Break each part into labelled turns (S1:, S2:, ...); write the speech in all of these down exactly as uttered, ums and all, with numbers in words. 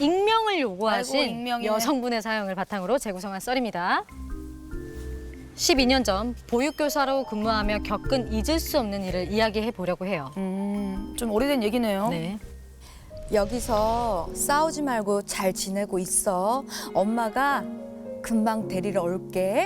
S1: 익명을 요구하신
S2: 아이고, 익명이네.
S1: 여성분의 사연을 바탕으로 재구성한 썰입니다. 십이 년 전 보육교사로 근무하며 겪은 잊을 수 없는 일을 이야기해 보려고 해요.
S2: 음, 좀 오래된 얘기네요.
S1: 네.
S3: 여기서 싸우지 말고 잘 지내고 있어. 엄마가 금방 데리러 올게.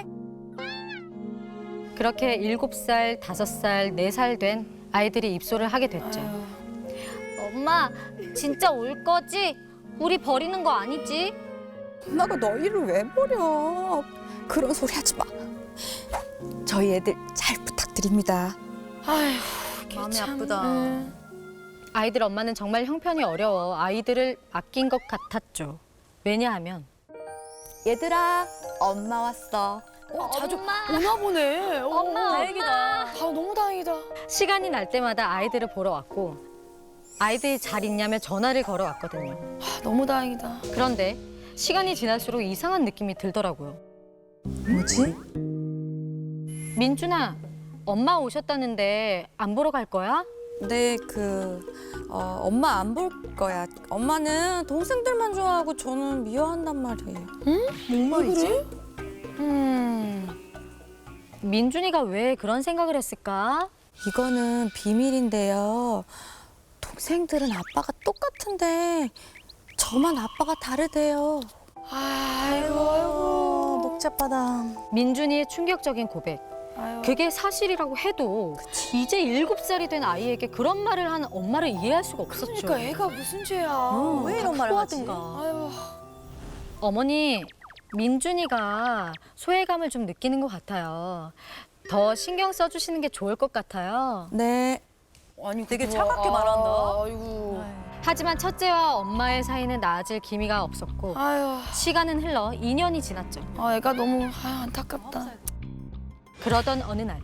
S1: 그렇게 일곱 살, 다섯 살, 네 살 된 아이들이 입소를 하게 됐죠.
S4: 엄마, 진짜 올 거지? 우리 버리는 거 아니지?
S3: 엄마가 너희를 왜 버려? 그런 소리 하지 마. 저희 애들 잘 부탁드립니다.
S2: 아휴,
S4: 마음이
S2: 참,
S4: 아프다.
S2: 네.
S1: 아이들 엄마는 정말 형편이 어려워 아이들을 아낀 것 같았죠. 왜냐하면
S3: 얘들아, 엄마 왔어.
S2: 어, 자주
S4: 엄마.
S2: 오나 보네. 어,
S4: 엄마,
S2: 다행이다. 아, 너무 다행이다.
S1: 시간이 날 때마다 아이들을 보러 왔고 아이들이 잘 있냐며 전화를 걸어왔거든요.
S2: 아, 너무 다행이다.
S1: 그런데 시간이 지날수록 이상한 느낌이 들더라고요.
S3: 뭐지?
S1: 민준아, 엄마 오셨다는데 안 보러 갈 거야?
S3: 네, 그 어, 엄마 안 볼 거야. 엄마는 동생들만 좋아하고 저는 미워한단 말이에요.
S2: 뭔 말이지?
S1: 음... 민준이가 왜 그런 생각을 했을까?
S3: 이거는 비밀인데요. 동생들은 아빠가 똑같은데 저만 아빠가 다르대요.
S2: 아이고, 아이고.
S3: 목젖바닥.
S1: 민준이의 충격적인 고백.
S2: 아유.
S1: 그게 사실이라고 해도 이제 일곱 살이 된 아이에게 그런 말을 하는 엄마를 이해할 수가 없었죠.
S2: 그러니까 애가 무슨 죄야.
S1: 음,
S3: 왜 이런 말을 하지?
S1: 하든가.
S2: 아유.
S1: 어머니, 민준이가 소외감을 좀 느끼는 것 같아요. 더 신경 써주시는 게 좋을 것 같아요.
S3: 네.
S2: 아니,
S4: 되게
S2: 그거,
S4: 차갑게 말한다.
S2: 아, 아이고.
S1: 하지만 첫째와 엄마의 사이는 나아질 기미가 없었고
S2: 아유.
S1: 시간은 흘러 이 년이 지났죠.
S2: 아, 애가 너무 아유, 안타깝다.
S1: 그러던 어느 날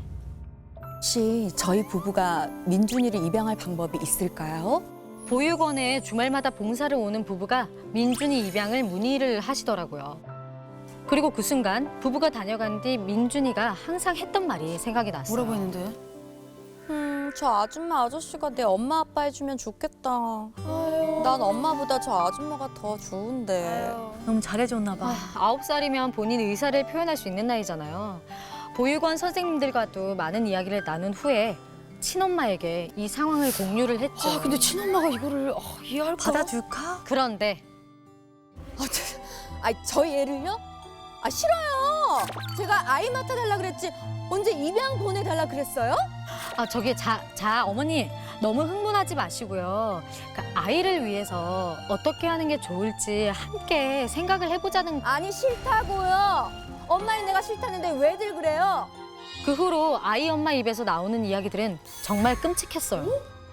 S3: 혹시 저희 부부가 민준이를 입양할 방법이 있을까요?
S1: 보육원에 주말마다 봉사를 오는 부부가 민준이 입양을 문의를 하시더라고요. 그리고 그 순간 부부가 다녀간 뒤 민준이가 항상 했던 말이 생각이 났어요.
S2: 뭐라고 했는데?
S3: 음, 저 아줌마 아저씨가 내 엄마 아빠 해주면 좋겠다.
S2: 아유.
S3: 난 엄마보다 저 아줌마가 더 좋은데.
S4: 너무 잘해줬나 봐.
S1: 아홉 살이면 본인 의사를 표현할 수 있는 나이잖아요. 보육원 선생님들과도 많은 이야기를 나눈 후에 친엄마에게 이 상황을 공유를 했죠.
S2: 아, 근데 친엄마가 이거를 아, 이해할까?
S4: 받아줄까?
S1: 그런데
S3: 아, 저, 아, 저희 애를요? 아, 싫어요. 제가 아이 맡아달라 그랬지. 언제 입양 보내달라 그랬어요?
S1: 아 저기 자, 자 어머니 너무 흥분하지 마시고요. 그러니까 아이를 위해서 어떻게 하는 게 좋을지 함께 생각을 해보자는.
S3: 아니, 싫다고요. 엄마는 내가 싫다는데 왜들 그래요?
S1: 그 후로 아이 엄마 입에서 나오는 이야기들은 정말 끔찍했어요.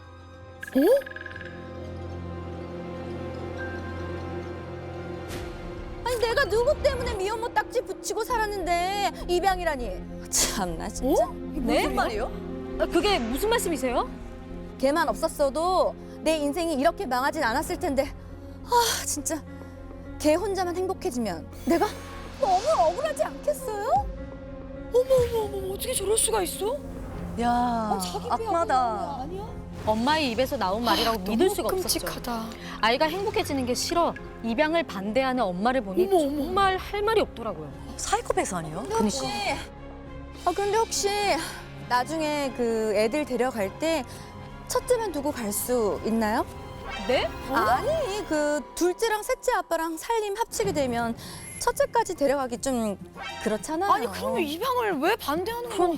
S3: 아니, 내가 누구 때문에 미혼모 딱지 붙이고 살았는데 입양이라니. 참나, 진짜.
S4: 네? 무슨 말이요?
S1: 아, 그게 무슨 말씀이세요?
S3: 걔만 없었어도 내 인생이 이렇게 망하진 않았을 텐데. 아, 진짜. 걔 혼자만 행복해지면 내가 너무 억울하지 않겠어요?
S2: 어머, 어머, 어머, 어떻게 저럴 수가 있어?
S4: 야,
S2: 자기 배
S4: 악마다.
S2: 아니야?
S1: 엄마의 입에서 나온 말이라고 믿을
S2: 너무
S1: 수가 없었죠.
S2: 끔찍하다.
S1: 아이가 행복해지는 게 싫어 입양을 반대하는 엄마를 보니
S2: 어머, 어머.
S1: 정말 할 말이 없더라고요.
S4: 사이코패스 아니에요?
S3: 혹시 아 근데 혹시 나중에 그 애들 데려갈 때 첫째만 두고 갈 수 있나요?
S1: 네?
S3: 아니 그 둘째랑 셋째 아빠랑 살림 합치게 되면 첫째까지 데려가기 좀 그렇잖아요.
S2: 아니, 그러면 입양을 왜 반대하는 거야?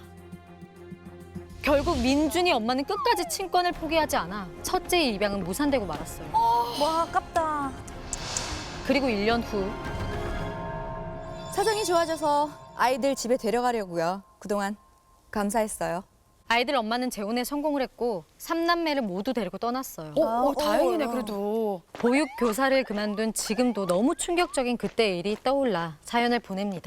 S1: 결국 민준이 엄마는 끝까지 친권을 포기하지 않아 첫째의 입양은 무산되고 말았어요.
S4: 와, 아깝다.
S1: 그리고 일 년 후
S3: 사정이 좋아져서 아이들 집에 데려가려고요. 그동안 감사했어요.
S1: 아이들 엄마는 재혼에 성공을 했고 삼남매를 모두 데리고 떠났어요.
S2: 어, 어,
S4: 아,
S2: 다행이네,
S4: 어.
S2: 그래도.
S1: 보육 교사를 그만둔 지금도 너무 충격적인 그때의 일이 떠올라 사연을 보냅니다.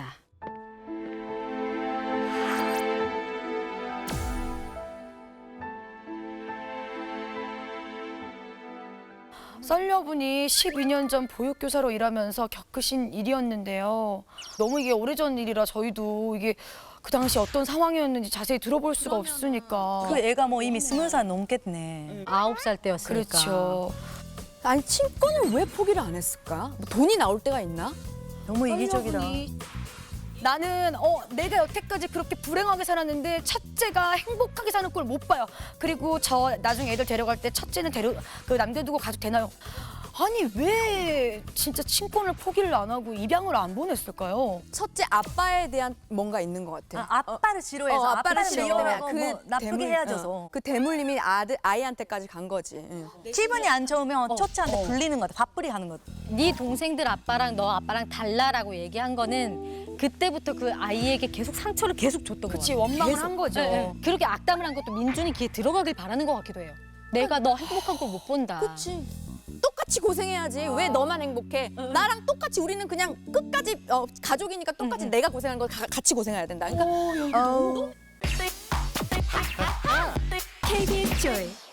S2: 썰녀분이 십이 년 전 보육교사로 일하면서 겪으신 일이었는데요. 너무 이게 오래전 일이라 저희도 이게 그 당시 어떤 상황이었는지 자세히 들어볼 수가 없으니까.
S4: 그 애가 뭐 이미 스물 살 넘겠네.
S1: 아홉 살 때였으니까.
S2: 그렇죠.
S3: 아니 친권을 왜 포기를 안 했을까? 뭐 돈이 나올 때가 있나?
S5: 너무 이기적이다.
S2: 떨려보니 나는 어 내가 여태까지 그렇게 불행하게 살았는데 첫째가 행복하게 사는 꼴 못 봐요. 그리고 저 나중에 애들 데려갈 때 첫째는 데려 그 남겨두고 가도 되나요? 아니 왜 진짜 친권을 포기를 안 하고 입양을 안 보냈을까요?
S3: 첫째 아빠에 대한 뭔가 있는 것 같아.
S5: 아, 아빠를 싫어해서
S3: 어, 아빠를
S5: 아빠는
S3: 싫어해.
S5: 어, 뭐 나쁘게
S3: 대물,
S5: 헤어져서
S3: 어, 그 대물림이 아들 아이한테까지 간 거지. 응.
S5: 기분이 안 좋으면
S2: 어,
S5: 첫째한테
S2: 어.
S5: 불리는 것 같아. 밥풀이 하는 것.
S1: 네 동생들 아빠랑 너 아빠랑 달라라고 얘기한 거는 그때부터 그 아이에게 계속 상처를 계속 줬던 거예요.
S2: 그치 원망을
S1: 계속.
S2: 한 거죠.
S1: 예, 예. 그렇게 악담을 한 것도 민준이 귀에 들어가길 바라는 것 같기도 해요. 내가 너 행복한 걸 못 본다.
S3: 그치. 똑같이 고생해야지. 왜 너만 행복해? 나랑 똑같이 우리는 그냥 끝까지 어, 가족이니까 똑같이 내가 고생한 걸 가- 같이 고생해야 된다. 그러니까
S2: 어, 여기 너무
S3: 케이비에스 조이